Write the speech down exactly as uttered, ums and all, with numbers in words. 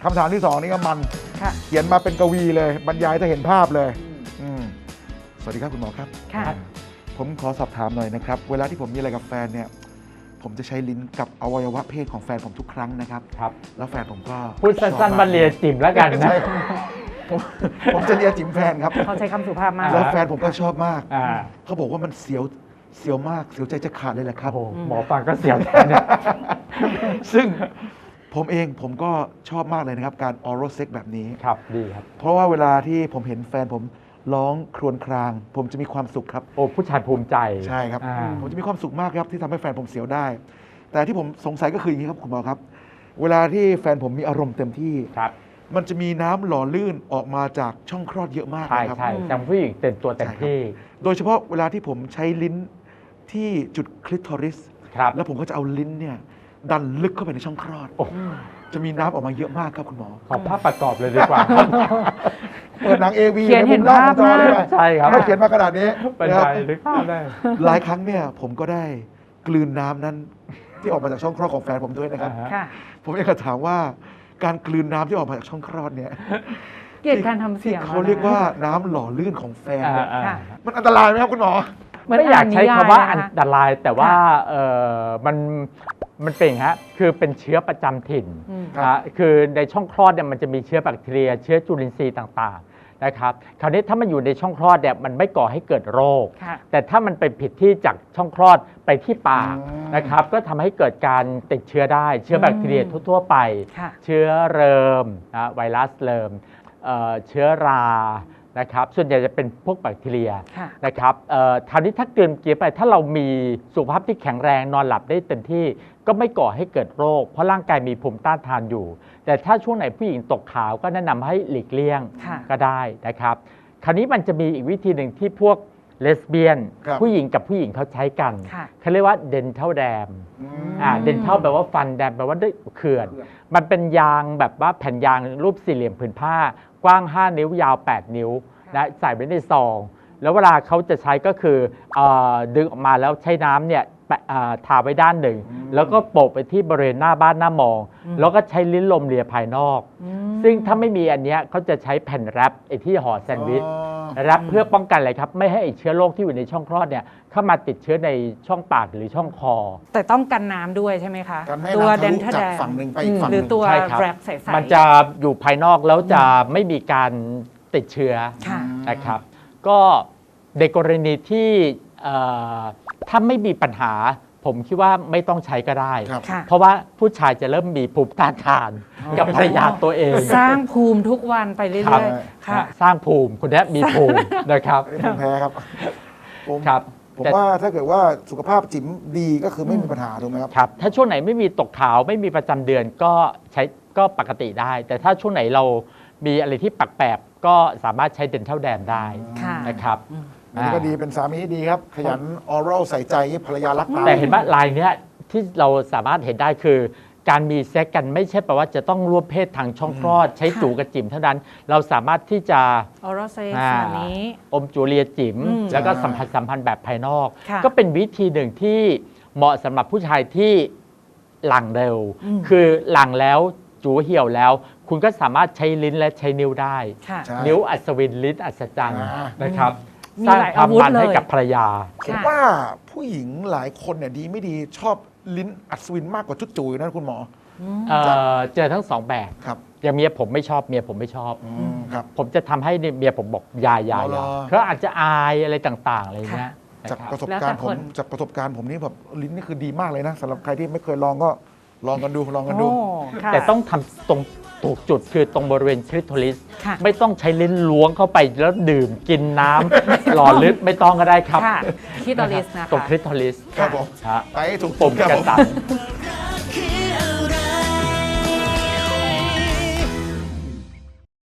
คำถามที่สองนี่ก็มันเขียนมาเป็นกวีเลยบรรยายจะเห็นภาพเลยอืมสวัสดีครับคุณหมอครับผมขอสอบถามหน่อยนะครับเวลาที่ผมมีอะไรกับแฟนเนี่ยผมจะใช้ลิ้นกับอวัยวะเพศของแฟนผมทุกครั้งนะครับครับแล้วแฟนผมก็พูดสั้นๆบันเลียจิ๋มแล้วกันนะผมจะเลียจิ๋มแฟนครับเขาใช้คำสุภาพมากแล้วแฟนผมก็ชอบมากเขาบอกว่ามันเสียวเสียวมากเสียวใจจะขาดเลยแหละครับหมอฟังก็เสียวแทนเนี่ยซึ่งผมเองผมก็ชอบมากเลยนะครับการออรัลเซ็กแบบนี้ครับดีครับเพราะว่าเวลาที่ผมเห็นแฟนผมร้องครวญครางผมจะมีความสุขครับโอ้ผู้ชายภูมิใจใช่ครับผมจะมีความสุขมากครับที่ทำให้แฟนผมเสียวได้แต่ที่ผมสงสัยก็คืออย่างนี้ครับคุณหมอครับเวลาที่แฟนผมมีอารมณ์เต็มที่ครับมันจะมีน้ำหล่อลื่นออกมาจากช่องคลอดเยอะมากใช่ครับใช่จังผู้หญิงเต็มตัวเต็มที่โดยเฉพาะเวลาที่ผมใช้ลิ้นที่จุดคลิทอริสแล้วผมก็จะเอาลิ้นเนี่ยดันลึกเข้าไปในช่องคลอดจะมีน้ำออกมาเยอะมากครับคุณหมอขอภาพประกอบเลยดีกว่าเปิดหนังเอวีเขียนเห็นภาพเลยใช่ครับถ้าเขียนมาขนาดนี้เป็นไปนึกภาพได้หลายครั้งเนี่ยผมก็ได้กลืนน้ำนั้นที่ออกมาจากช่องคลอดของแฟนผมด้วยนะครับผมอยากจะถามว่าการกลืนน้ำที่ออกมาจากช่องคลอดเนี่ยเกลียดการทำเสียงเขาเรียกว่าน้ำหล่อลื่นของแฟนมันอันตรายไหมครับคุณหมอไม่อยากใช้คำว่าอันตรายแต่ว่าเออมันมันเป็นฮะคือเป็นเชื้อประจำถิ่นนะคือในช่องคลอดเนี่ยมันจะมีเชื้อแบคทีเรียเชื้อจุลินทรีย์ต่างๆนะครับคราวนี้ถ้ามันอยู่ในช่องคลอดเนี่ยมันไม่ก่อให้เกิดโรคแต่ถ้ามันไปผิดที่จากช่องคลอดไปที่ปากนะครับก็ทำให้เกิดการติดเชื้อได้เชื้อแบคทีเรียทั่วๆไปเชื้อเริมนะไวรัสเริมเชื้อรานะครับส่วนใหญ่จะเป็นพวกแบคทีเรียนะครับคราวนี้ถ้าเกินเกียร์ไปถ้าเรามีสุขภาพที่แข็งแรงนอนหลับได้เต็มที่ก็ไม่ก่อให้เกิดโรคเพราะร่างกายมีภูมิต้านทานอยู่แต่ถ้าช่วงไหนผู้หญิงตกขาวก็แนะนำให้หลีกเลี่ยงก็ได้นะครับคราวนี้มันจะมีอีกวิธีหนึ่งที่พวกเลสเบี้ยนผู้หญิงกับผู้หญิงเขาใช้กันเขาเรียกว่าเดนทัลแดมอ่าเดนทัลแปลว่าฟันแดมแปลว่าด้วยเขื่อนมันเป็นยางแบบว่าแผ่นยางรูปสี่เหลี่ยมผืนผ้ากว้างห้านิ้วยาวแปดนิ้วนะใส่ไว้ในซองแล้วเวลาเขาจะใช้ก็คือดึงออกมาแล้วใช้น้ำเนี่ยทาไว้ด้านหนึ่งแล้วก็โปะไปที่บริเวณหน้าบ้านหน้ามองแล้วก็ใช้ลิ้นลมเลียภายนอกซึ่งถ้าไม่มีอันนี้เขาจะใช้แผ่นแรปไอ้ที่ห่อแซนด์วิชแรปเพื่อป้องกันอะไรครับไม่ให้เชื้อโรคที่อยู่ในช่องคลอดเนี่ยเข้ามาติดเชื้อในช่องปากหรือช่องคอแต่ต้องกันน้ำด้วยใช่ไหมคะตัวเดนทัลแดมหรือตัวแรปใสๆมันจะอยู่ภายนอกแล้วจะไม่มีการติดเชื้อนะครับก็ในกรณีที่ถ้าไม่มีปัญหาผมคิดว่าไม่ต้องใช้ก็ได้เพราะว่าผู้ชายจะเริ่มมีภูมิต้านทานกับภรรยาตัวเองสร้างภูมิทุกวันไปเรื่อยๆค่ะสร้างภูมิคุณแม่มีภูมินะครับผมแพ้ครับผมครับผมว่าถ้าเกิดว่าสุขภาพจิ๋มดีก็คือไม่มีปัญหาถูกไหมครับครับถ้าช่วงไหนไม่มีตกขาวไม่มีประจำเดือนก็ใช้ก็ปกติได้แต่ถ้าช่วงไหนเรามีอะไรที่แปลกๆก็สามารถใช้เดนทัลแดมได้นะครับอันนี้ก็ดีเป็นสามีที่ดีครับขยันออรัลใส่ใจภรรยารักตาแต่เห็นว่าลายเนี้ยที่เราสามารถเห็นได้คือการมีเซ็กกันไม่ใช่แปลว่าจะต้องร่วมเพศทางช่องคลอดใช้จูกับจิ๋มเท่านั้นเราสามารถที่จะออรัลเซ็กแบบนี้อมจูเลียจิ๋มแล้วก็สัมผัสสัมพันธ์แบบภายนอกก็เป็นวิธีหนึ่งที่เหมาะสำหรับผู้ชายที่หลังเร็วคือหลังแล้วจูเหี่ยวแล้วคุณก็สามารถใช้ลิ้นและใช้นิ้วได้นิ้วอัศวินลิ้นอัศจรรย์นะครับสร้างความมันให้กับภรรยาผมว่าผู้หญิงหลายคนเนี่ยดีไม่ดีชอบลิ้นอัศวินมากกว่าจุดจุ๋ยนะคุณหมอเจอทั้งสองแบบครับอย่างเมียผมไม่ชอบเมียผมไม่ชอบผมจะทำให้เมียผมบอกยายาเขาอาจจะอายอะไรต่างๆอะไรเงี้ยจากประสบการณ์ผมจากประสบการณ์ผมนี่แบบลิ้นนี่คือดีมากเลยนะสำหรับใครที่ไม่เคยลองก็ลองกันดูลองกันดูแต่ต้องทำตรงถูกจุดคือตรงบริเวณคลิทอริสไม่ต้องใช้ลิ้นล้วงเข้าไปแล้วดื่มกินน้ำหล่อลึกไม่ต้องก็ได้ครับคลิทอริสนะคะตรงคลิทอริสครับผมไปถูกปุ่มกระสับ